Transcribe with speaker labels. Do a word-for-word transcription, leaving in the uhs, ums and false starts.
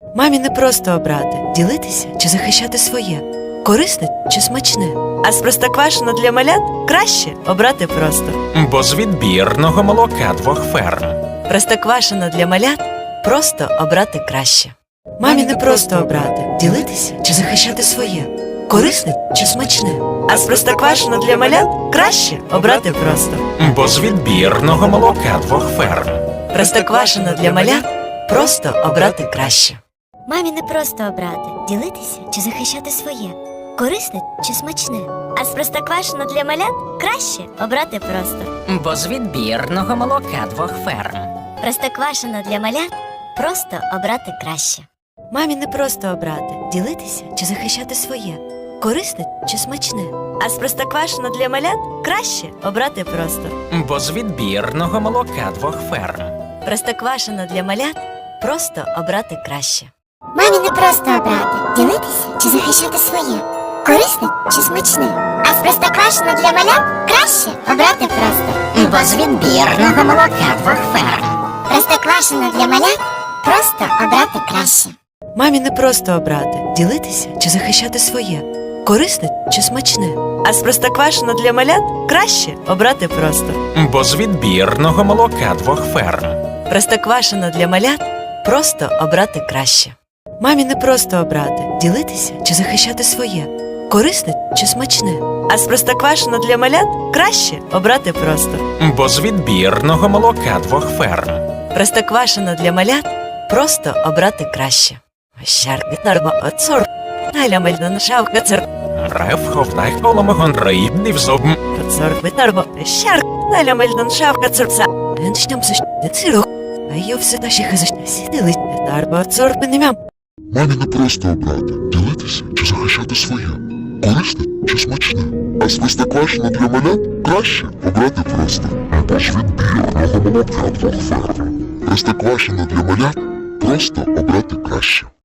Speaker 1: Мамі не просто обрати, ділитися чи захищати своє, корисне чи смачне. А з простоквашино для малят краще обрати просто.
Speaker 2: Бо з відбірного молока двох ферм.
Speaker 1: Простоквашино для малят просто обрати краще. Мамі не просто обрати, ділитися чи захищати своє, корисне чи смачне. А з простоквашино для малят краще обрати просто.
Speaker 2: Бо з відбірного молока двох ферм.
Speaker 1: Простоквашино для малят просто обрати краще.
Speaker 3: Мамі не просто обрати, ділитися чи захищати своє, корисне чи смачне. А з простоквашино для малят краще обрати просто.
Speaker 4: Бо з відбірного молока двох ферм.
Speaker 3: Простоквашино для малят просто обрати краще.
Speaker 1: Мамі не просто обрати, ділитися чи захищати своє, корисне чи смачне. А з простоквашино для малят краще обрати просто.
Speaker 2: Бо з відбірного молока двох ферм.
Speaker 1: Простоквашино для малят просто обрати краще.
Speaker 5: Мамі не просто обрати, ділитися чи захищати своє, корисне чи смачне. А з простоквашино для малят краще обрати просто.
Speaker 4: Бо з відбірного молока двох ферм.
Speaker 5: Простоквашино для малят просто обрати краще.
Speaker 1: Мамі не просто обрати, ділитися чи захищати своє, корисне чи смачне. А з простоквашино для малят краще обрати просто.
Speaker 2: Бо з відбірного молока двох ферм.
Speaker 1: Простоквашино для малят просто обрати краще. Мамі не просто обрати, ділитися чи захищати своє, корисне чи смачне. А з простоквашино для малят краще обрати просто.
Speaker 2: Бо з відбірного молока двох ферм.
Speaker 1: Простоквашино для малят просто обрати краще. Щарки нарба оцор, наля мельдон шавка цер,
Speaker 2: Рев ховдай коломогон рибнив зуб.
Speaker 1: оцор витарбо, щарк, наля мельдон шавка церца. Еншням сущне цирох, а йо все та ще хазашня сідили, тарба оцор пенемям.
Speaker 6: Мамі не просто обрати, ділитися чи захищати своє, корисне чи смачне. А з простоквашино для малят краще обрати просто. Бо ж відбірного молока двох ферм. Простоквашино для малят просто обрати краще.